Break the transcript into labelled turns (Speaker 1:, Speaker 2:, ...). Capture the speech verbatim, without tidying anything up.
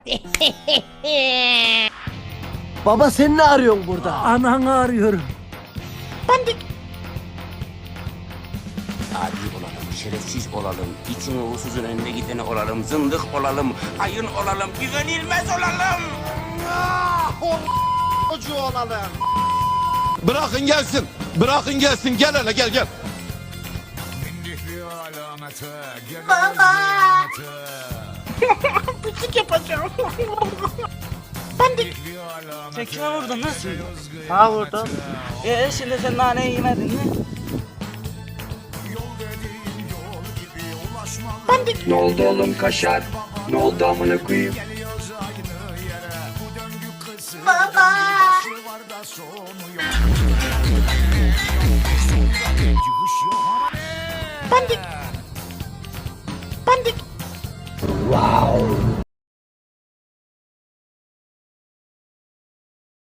Speaker 1: Baba sen ne arıyorsun burada?
Speaker 2: Ananı arıyorum.
Speaker 3: Adi olalım, şerefsiz olalım, içine uğursuzun önüne gideni olalım, zındık olalım, hayın olalım, güvenilmez olalım.
Speaker 1: Çocuğu olalım.
Speaker 4: Bırakın gelsin. Bırakın gelsin. Gel hele gel gel.
Speaker 5: Baba. Pislik yapacağım. Ben de
Speaker 6: Sen kime vurdun nasıl?
Speaker 1: Ha vurdum.
Speaker 6: Ee şimdi sen naneyi yemedin mi?
Speaker 7: Ne oldu oğlum kaşar? Ne oldu amına koyayım?
Speaker 5: baba. Ben de Ben de
Speaker 7: Wow.